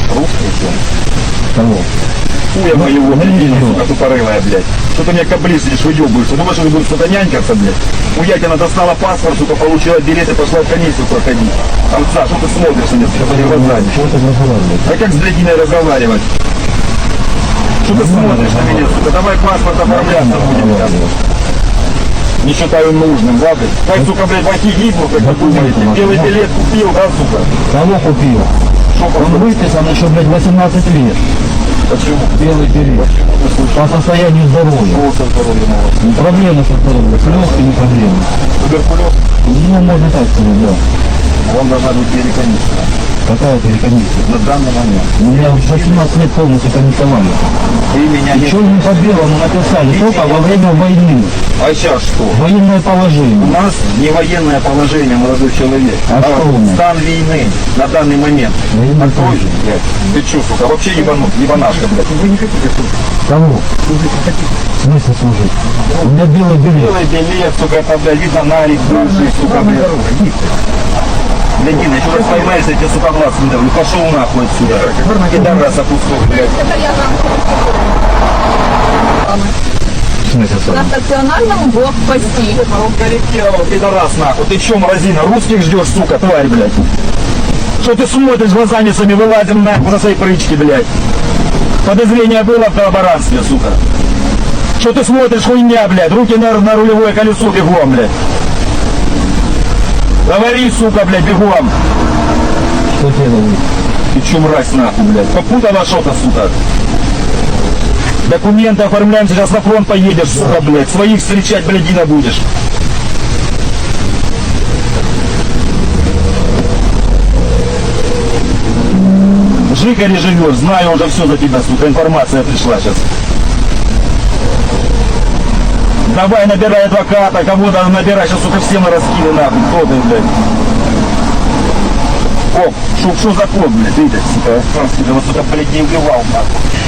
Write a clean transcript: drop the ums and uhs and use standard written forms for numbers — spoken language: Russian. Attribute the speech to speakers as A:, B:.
A: Русский все.
B: Кого?
A: Хуя моего, блядь, сука, тупорылая, блядь. Что ты мне каблиз сидишь, выебываешься? Думаешь, что ты будешь что-то нянькаться, блядь? Хуятина достала паспорт, сука, получила билет и пошла в комиссию проходить. Овца, что ты смотришь на меня, что ты глазами?
B: Чего ты разговариваешь?
A: А как с блядиной разговаривать? Что ты смотришь на меня, сука? Давай паспорт оформляться будем, блядь. Не считаю нужным, да, блядь? Как, сука, блядь, войти гибну, как вы думаете? Белый билет купил, да, сука?
B: Кого купил? Он выписан еще, блядь, 18 лет.
A: Почему?
B: Белый билет. По состоянию здоровья.
A: Что здоровье на вас?
B: Не проблемы со здоровьем. С легкими проблемами.
A: Туберкулез?
B: Ну, можно так сказать, да.
A: Вам должна быть перекомиссия.
B: Какая перекомиссия?
A: На данный момент.
B: У меня 18 лет полностью комиссовали.
A: Вы меня не...
B: Ничего не по белому написали, только во время войны.
A: А сейчас что?
B: Военное
A: У
B: положение.
A: нас не военное положение, молодой человек.
B: А что у нас?
A: Стан войны на данный момент.
B: Военное
A: Открой,
B: положение.
A: блядь. Ты чё, сука, вообще ебанашка, блядь. Вы не хотите слушать?
B: Кого? В смысле служить? У меня белый билет.
A: Белый билет, сука, это, блядь, видно на регистрации, сука, блядь. Блядь, Дина, еще раз поймаешься, я тебе, сука, глаз не давлю. Пошел нахуй отсюда. Пидораса кусок, блядь.
B: В смысле,
C: На стационарном блокпосте.
A: Корректировал, пидорас, нахуй. Ты чё, мразина, русских ждешь, сука, тварь, блядь? Что ты смотришь глазами своими, вылазим нахуй на свои прычки, блядь? Подозрение было в коллаборантстве, сука. Что ты смотришь, хуйня, блядь? Руки на рулевое колесо бегом, блядь. Говори, сука, блядь, бегом.
B: Что делать?
A: Ты чё, мразь, нахуй, блядь? Попутала что-то, сука. Документы оформляем, сейчас на фронт поедешь, сука, блядь. Своих встречать, блядина, будешь. В Жикаре живешь, знаю уже все за тебя, сука, информация пришла сейчас. Давай, набирай адвоката, кого-то набирай, сейчас, сука, все мы раскиды, нахуй. Кто ты, блядь? О, что за код, блядь, видишь, сука, сам себя, вот, сука, блядь, не убивал, нахуй.